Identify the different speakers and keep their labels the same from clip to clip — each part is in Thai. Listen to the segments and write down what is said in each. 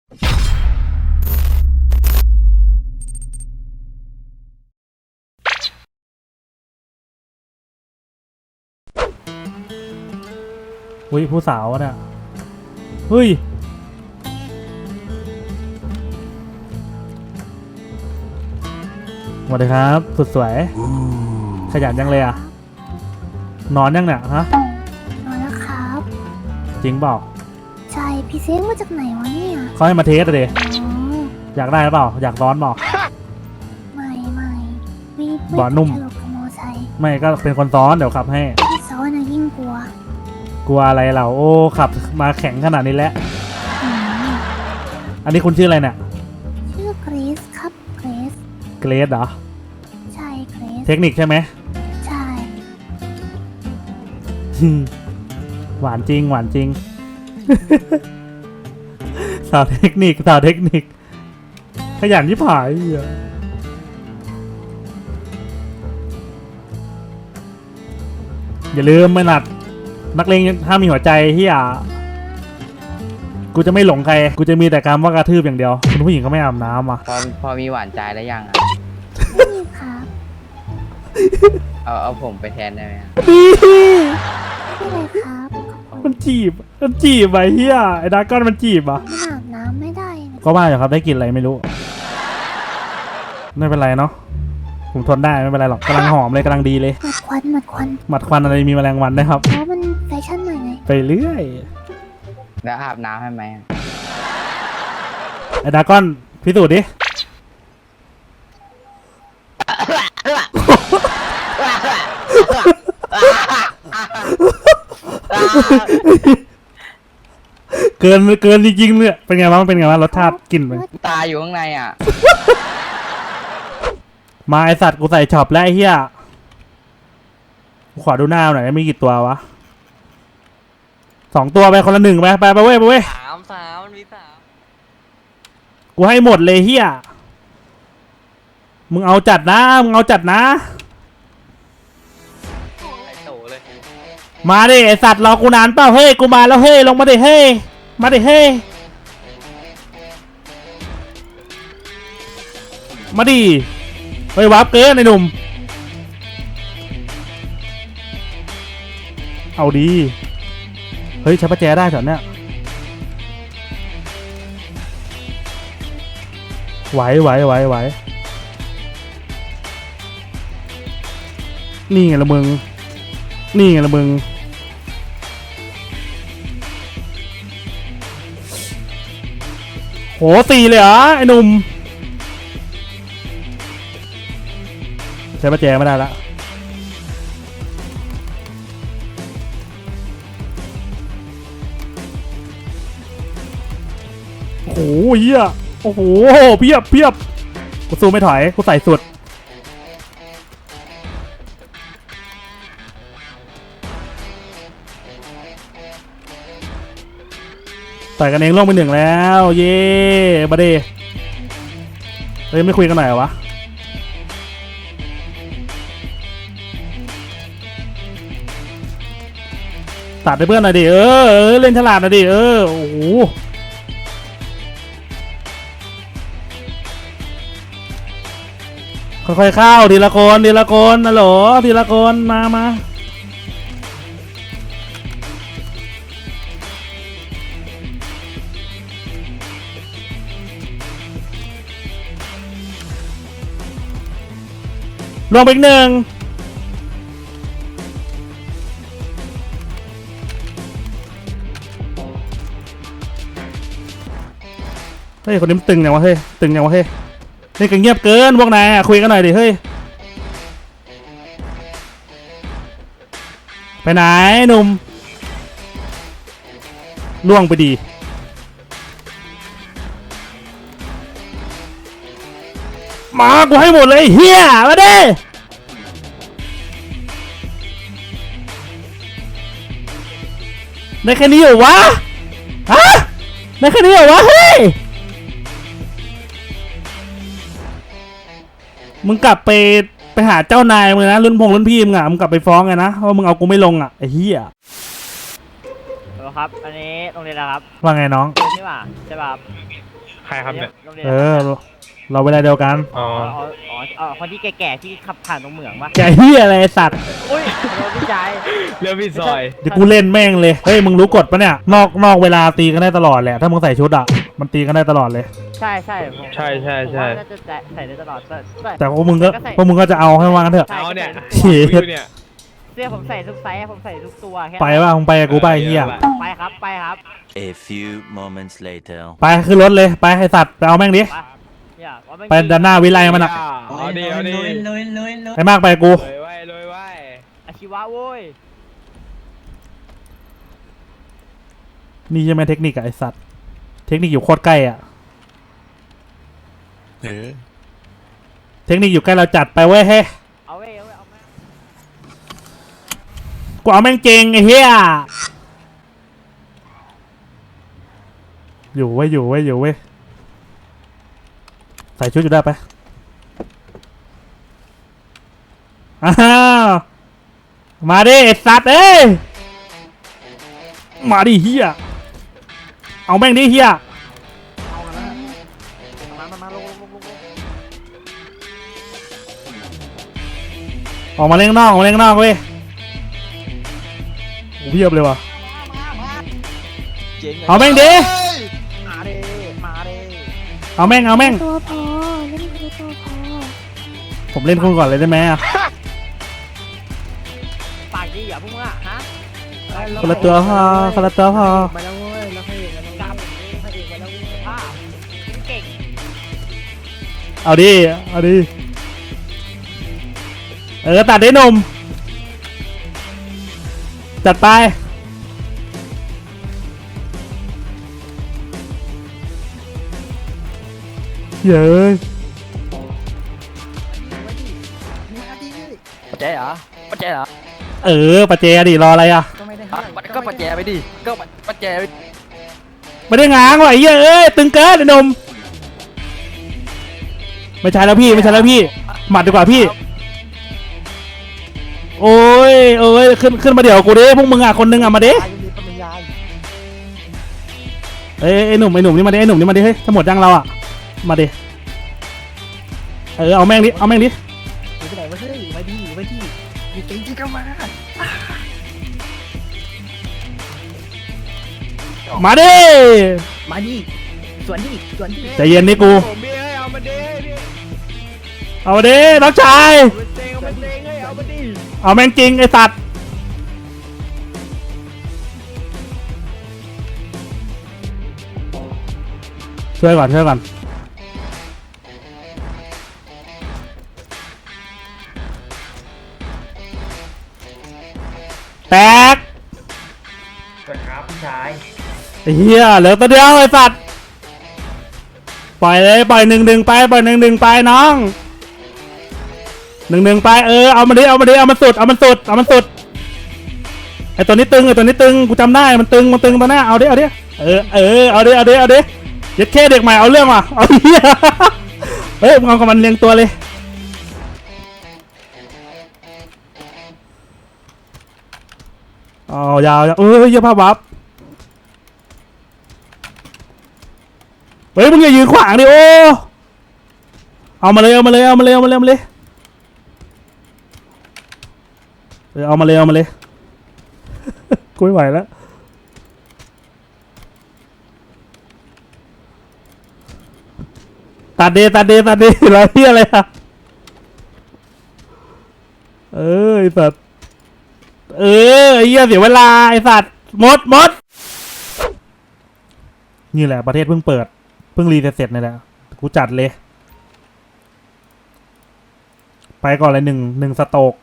Speaker 1: เฮ้ยผู้สาวเนี่ยเฮ้ยสวัสดีครับสุดสวยขยันยังเลยอ่ะนอนยังเนี่ยฮะ
Speaker 2: นอนแล้วครับ
Speaker 1: จริงเปล่า
Speaker 2: ใช่พี่เซ็งมาจากไหนวะเนี่ย
Speaker 1: เขาให้มาเทสเลยอยากได้หรือเปล่าอยากร้อนเปล่า
Speaker 2: ไม่วี
Speaker 1: บ่อนุ่ม
Speaker 2: ถลกกับมอไซค์
Speaker 1: ไม่ก็เป็นคนซ้อนเดี๋ยวขับให้
Speaker 2: พี่ซ้อนนะยิ่งกลัว
Speaker 1: อะไรเราโอ้ขับมาแข็งขนาดนี้แล้วอันนี้คุณชื่ออะไรเนี่ย
Speaker 2: ชื่อเกรซครับเกรซ
Speaker 1: เหรอ
Speaker 2: ใช่เกรซ
Speaker 1: เทคนิคใช่ไหม
Speaker 2: ใช่
Speaker 1: หวานจริงสาวเทคนิคขยันที่ผายอย่าลืมไม่หนัดนักเลงถ้ามีหัวใจที่กูจะไม่หลงใครกูจะมีแต่การว่ากระทืบอย่างเดียวคุณผู้หญิงเขาไม่อาบน้ำอ่ะ
Speaker 3: พอมีหวานใจแล้วยังอ่ะ
Speaker 2: ไม่มีครับ
Speaker 3: เอาผมไปแทนได้ไหม
Speaker 2: ไม่เลยครับ
Speaker 1: มันจีบไอ้เหี้ยไอ้ดาก้อนมันจีบอ่ะ
Speaker 2: มันอาบน้ำไม่ได้นะ
Speaker 1: ก็ว่าอยู่ครับได้กลิ่นอะไรไม่รู้ไม่เป็นไรเนาะผมทนได้ไม่เป็นไรหรอกกำลังหอมเลยกำลังดีเลย
Speaker 2: หมัดควัน
Speaker 1: อะไรมีแมลงวันได้ครับ
Speaker 2: เพราะมันแฟชั่นหน่อยไง
Speaker 1: ไปเรื่อย
Speaker 3: แล้วอาบน้ำให้ไหม
Speaker 1: ไอ้ดาก้อนพิสูจน์ดิเกินจริงๆเลยเป็นไงวะมันเป็นไงวะรสชาติกลิ่นมัน
Speaker 3: ตาอยู่ข้างในอ่ะ
Speaker 1: มาไอสัตว์กูใส่ช็อปแล้วไอ้เหี้ยขอดูหน้าหน่อยมีกี่ตัววะ2 ตัวไปคนละ1ไปเว้ย
Speaker 3: สามมันมี3
Speaker 1: กูให้หมดเลยเหี้ยมึงเอาจัดนะมาดิไอสัตว์รอกูนานเปล่าเฮ้ยกูมาแล้วเฮ้ยลงมาดิเฮ้ยมาดิเฮ้ยมาดิเฮ้ยวับเกินไอ้หนุ่มเอาดีเฮ้ยใช้ประแจได้เหรอเนี่ยไหวนี่ไงละมึงโห4เลยเหรอไอ้หนุ่มใช้ประแจไม่ได้ละโอ้โหเหี้ยโอ้โหเพียบกูสู้ไม่ถอยกูใส่สุดต่อยกันเองล่วงไป1แล้วเย่บาเดเฮ้ยไม่คุยกันหน่อยวะตัดให้เพื่อนหน่อยดิเล่นฉลาดหน่อยดิโอ้โหค่อยๆเข้าทีละคนนะโหลทีละคนมาลงไปอีก1เฮ้ยคนนี้มันตึงยังวะเฮ้ยนี่ก็เงียบเกินพวกนายคุยกันหน่อยดิเฮ้ยไปไหนหนุ่มล่วงไปดีมากูให้หมดเลยเฮียมาดิในแค่นี้เหรอวะในแค่นี้เหรอวะเฮ้ยมึงกลับไปหาเจ้านายมึงนะรุ่นพี่มึงมึงกลับไปฟ้องไงนะว่ามึงเอากูไม่ลงไอ้เหี้ย
Speaker 4: ครับอันนี้โรงเรียนอะไรครับ
Speaker 1: ว่าไงน้อง
Speaker 4: ใช่ป่ะครครับเนี่ย
Speaker 5: โรงเรียน
Speaker 1: เออ เราเวลาเดียวกัน
Speaker 4: อ๋อ
Speaker 5: คนที่แก่ๆที่ขับผ่านตรงเหมืองปะ
Speaker 1: แกเฮียอะไรไอ้สัตว์
Speaker 5: อุ้ยโดนพี่ชาย
Speaker 4: เรื่องพี่ซอย
Speaker 1: เดี๋ยวกูเล่นแม่งเลย เฮ้ยมึงรู้กฎปะเนี่ย นอกเวลาตีกันได้ตลอดแหละ ถ้ามึงใส่ชุดอ่ะ มันตีกันได้ตลอดเลย
Speaker 5: ใช่ใช่ผม
Speaker 4: ใช่ใช่ใช่
Speaker 5: ผมว่าน่าจะใส่ได้ตลอดแต่
Speaker 1: แต่พวกมึงก็จะเอาให้ว่ากันเถอะ
Speaker 5: ใช่
Speaker 4: เอาเนี่ย
Speaker 1: เชี่ย
Speaker 4: อยู่เนี่ย
Speaker 5: เสื้อผมใส่ทุกไซส์ผมใส่ทุกตัวแค่
Speaker 1: ไปว่ามึงไปกับกูไปไอ้เฮีย
Speaker 5: ไปครับไปครับ
Speaker 6: A few moments later.
Speaker 1: ไปขึ้นรถเลย ไปไอ้สัตว์ไปเอาแม่งดิ
Speaker 5: ไปเนี่ยว่าม่
Speaker 1: ไปด้านหน้าวิไลมันอ่ะ
Speaker 4: เอาดิเอาดิ
Speaker 1: ไอ้มากไปกับกู
Speaker 4: เลยไว้เลยไว้
Speaker 5: อาชีวะโว้ย
Speaker 1: นี่ใช่ไหมเทคนิคอะไอ้สัตว์ เทคนิคอยู่โคตรใกล้อ่ะ เทคนิคอยู่ใกล้เราจัดไปเว้ยเฮ้ย
Speaker 5: เอาเว้ยเอาแม่
Speaker 1: กูเอาแม่งเจงไอ้เหี้ยอยู่เว้ยใส่ชุดอยู่ได้ไปอ้าวมาดิไอ้สัตว์เอ้ยมาดิเหี้ยเอาแม่งดิเหี้ย
Speaker 5: มาลง
Speaker 1: ออกมาเล่นข้างนอกเว้ยโอ้เพียบเลยว่ะเอาแม่งดิ
Speaker 5: มาเด้มาเด้
Speaker 1: เอาแม่ง
Speaker 2: ตัวพอเล่นคือตัวพอ
Speaker 1: ผมเล่นคุณก่อนเลยได้ไหมอะ
Speaker 5: ปากดีอย่าพุ่งอ่ะฮะ
Speaker 1: คนละตัวพอ
Speaker 5: ไปแล้วเว้ยแล้วให้กลับให้เองไปแล้วป้าเก่ง
Speaker 1: เอาดิตัดได้หนุ่มจัดไปเย้ย
Speaker 3: ปัจเจเหรอปัจเจเหรอ
Speaker 1: ปะเจดิรออะไรอ่ะ
Speaker 3: ก็ปัจเจไปดิก็ปัจเจไป
Speaker 1: ไม่ได้ง้างว่ะไอ้เหี้ยเอ้ยตึงเกินไอ้หนุ่มไม่ใช่แล้วพี่หมัดดีกว่าพี่โอ้ยขึ้นมาเดี๋ยวกูดิพวกมึงอ่ะคนนึงอ่ะมาดิไอ้หนุ่มนี่มาดิเฮ้ยทั้งหมดยังเราอ่ะมาดิเอาแม่งดิ
Speaker 5: ไปไหนวะเฮ้ยมาดีอยู่จริงๆก็มา
Speaker 1: มาดิ
Speaker 5: มาดีสวนดี
Speaker 1: ใจเย็นนี่กู
Speaker 4: ผมพี่เอ้ยเอามาดิพี่
Speaker 1: เอาดิน้องชาย
Speaker 4: เอามาเตงเอามาเตงเอ้ยเอามาดิ
Speaker 1: เอาแม่งจริงไอ้สัตว์ช่วยก่อนแตก
Speaker 4: สวัสดีครับพี่ชาย
Speaker 1: ไอ้เหี้ยเหลือตัวเดียวไอ้สัตว์ปล่อยเลยปล่อย1-1ไปน้อง1-1ไปเอามาดิเอามันสุดไอ้ตัวนี้ตึงกูจำได้มันตึงตัวหน้าเอาดิเอาดิยัดแค่เด็กใหม่เอาเรื่องว่ะเอาเหี้ยเฮ้ยมึงเอากับมันเรียงตัวเลยอ๋อยาวเยี่ยภาพวับเฮ้ยมึงอย่ายืนขวางดิโอ้เอามาเลยเอามาเลยกูไม่ไหวแล้วตัดเดแล้วที่อะไรอะไอสัตว์ไอ้เหี้ยเสียเวลาไอสัตว์หมดนี่แหละประเทศเพิ่งเปิดเพิ่งรีเสร็จนี่แหละกูจัดเลย ไปก่อนเลยหนึ่งสโตก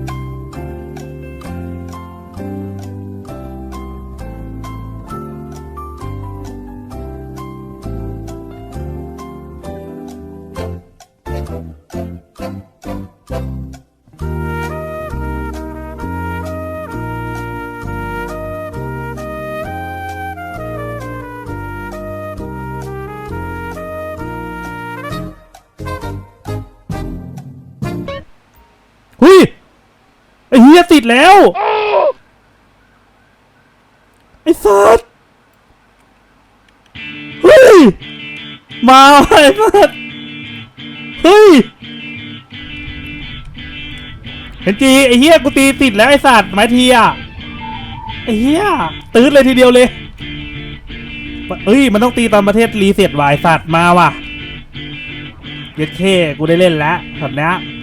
Speaker 1: หุยไอ้เหี้ยติดแล้วไอ้สัสเฮ้ยมาไอ้สัสเฮ้ยเห็นจีไอ้เหี้ยกูตีติดแล้วไอ้สัตว์ไม้ทีอ่ะไอ้เหี้ยตื้นเลยทีเดียวเลยเอ้ยมันต้องตีตอนประเทศรีเซ็ตวายสัตว์มาว่ะเย็ดเคกูได้เล่นแล้วแบบเนี้ย